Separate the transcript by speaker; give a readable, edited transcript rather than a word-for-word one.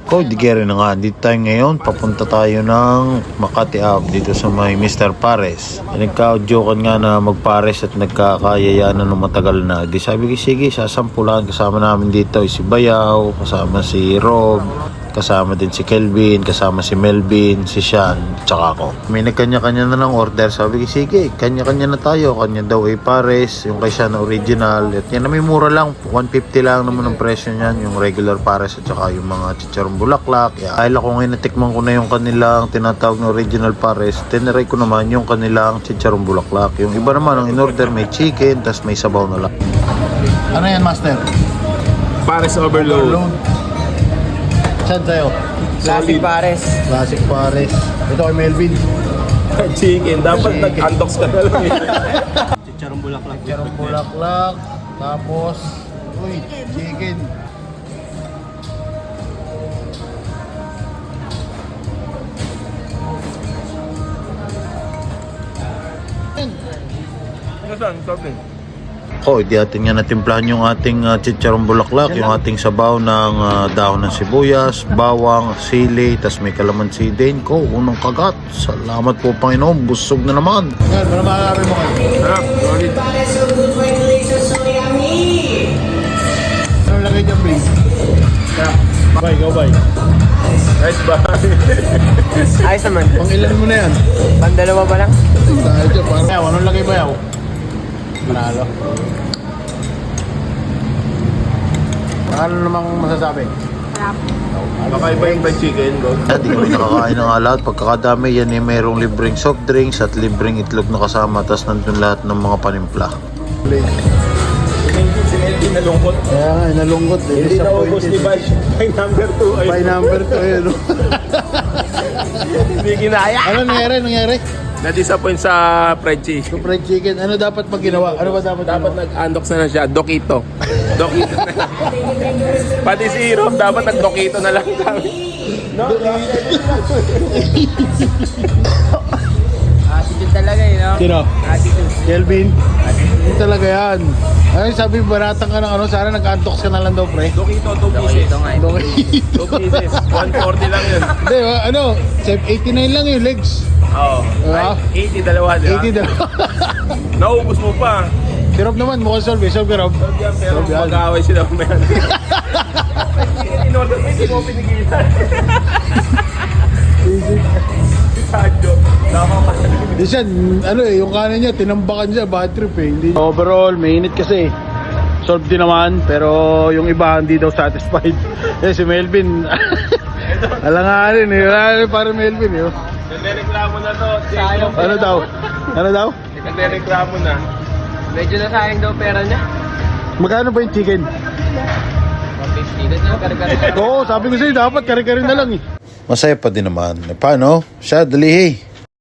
Speaker 1: Di kaya rin na nga, dito tayo ngayon, papunta tayo ng Makati Ave dito sa may Mr. Pares. Nagka-jokean nga na magpares at nagkakayayanan ng matagal na. Di sabi ko, sige, sasampulan. Kasama namin dito si Bayaw, kasama si Rob, kasama din si Kelvin, kasama si Melvin, si Sean, tsaka ako. May nagkanya-kanya na ng order. Sabi ko, sige, kanya-kanya na tayo. Kanya daw ay pares, yung kay Sean na original. At yan na may mura lang, 150 lang naman ang presyo niyan. Yung regular pares at saka yung mga chicharong bulaklak. Dahil ako ngayon natikman ko na yung kanilang tinatawag na original pares, tiniray ko naman yung kanilang chicharong bulaklak. Yung iba naman, ang in-order may chicken, tas may sabaw na lang. Ano yan, Master?
Speaker 2: Pares overload.
Speaker 1: Saan tayo?
Speaker 3: Classic pares.
Speaker 1: Classic pares. Ito kay Melvin.
Speaker 2: Chicken. Dapat nag-antox ka na lang eh.
Speaker 3: Chicharong bulaklak.
Speaker 1: Chicharong bulaklak. Tapos, uy, chicken.
Speaker 2: Nasaan? Sabi.
Speaker 1: Di atin nga natimplahan yung ating chicharong bulaklak, yung ating sabaw ng dahon ng sibuyas, bawang, sili, tas may kalamansi din. Unang kagat. Salamat po Panginoon, busog na naman. Yan, para makakabi mo kayo.
Speaker 2: Sarap. Solid.
Speaker 1: Anong lagay dyan, please? Bye, go bye.
Speaker 2: Nice ba?
Speaker 3: Ayos naman.
Speaker 1: Pang ilan mo na yan?
Speaker 3: Pandalawa ba lang?
Speaker 1: Dahil dyan, parang yaw. Anong lagay ba yaw? Manalo. Ano namang masasabi?
Speaker 2: Makaiba yung fried chicken, bro.
Speaker 1: Hindi kami nakakain ng lahat. Pagkakadami yan eh, mayroong libreng soft drinks at libreng itlog na kasama. Tapos nandun lahat ng mga panimpla.
Speaker 2: Si Melvin nalungkot.
Speaker 1: Kaya nga, nalungkot.
Speaker 2: Hindi na ubos ni Bay. By number 2.
Speaker 1: By number 2 yun.
Speaker 2: Hindi ginaya.
Speaker 1: Ano nangyari?
Speaker 2: Na-disappoint sa fried chicken.
Speaker 1: Yung fried chicken, ano dapat pag ginawa? Ano ba dapat
Speaker 2: Dapat
Speaker 1: ginawa?
Speaker 2: nag-andox na siya. Dokito. Dokito na lang. Pati si Rob, dapat nag-dokito na lang kami. No?
Speaker 3: Attitude talaga eh, no?
Speaker 1: Sino?
Speaker 3: Attitude.
Speaker 1: Kelvin? Hindi talaga yan. Ay, sabi baratang ka ng ano, sana nag-antox ka na lang daw, pre.
Speaker 2: Dokito, 2 pieces.
Speaker 3: Ito nga eh.
Speaker 2: 2 pieces. 140 lang yun.
Speaker 1: Hindi, ano, 89 lang yung legs.
Speaker 2: Oo.
Speaker 1: Ah.
Speaker 2: 80 dalawa, di ba?
Speaker 1: 80 daw.
Speaker 2: Naubos mo pa.
Speaker 1: Si Rob naman, mukhang solve. Solve ka, Rob.
Speaker 2: Pero mag-aaway sila kumaya. In-order mo, hindi mo pinigilan. Si Sadyo. Tama pa.
Speaker 1: Di siya, ano eh, yung kanan niya, tinambakan siya, bad trip eh. Hindi. Overall, mainit kasi. Solve din naman, pero yung iba hindi daw satisfied. Eh, si Melvin, alanganin eh. Wala para Melvin eh.
Speaker 2: Nagreklamo na to.
Speaker 1: Ano daw? Ano daw?
Speaker 2: Nagreklamo na.
Speaker 3: Medyo nasayang daw pera niya.
Speaker 1: Magkano ba yung chicken?
Speaker 3: 150. Dito yung karga-karga.
Speaker 1: Oo, sabi ko sa'yo, dapat kare-kare na lang eh. Masaya pa din naman. Paano? Siya, dali eh.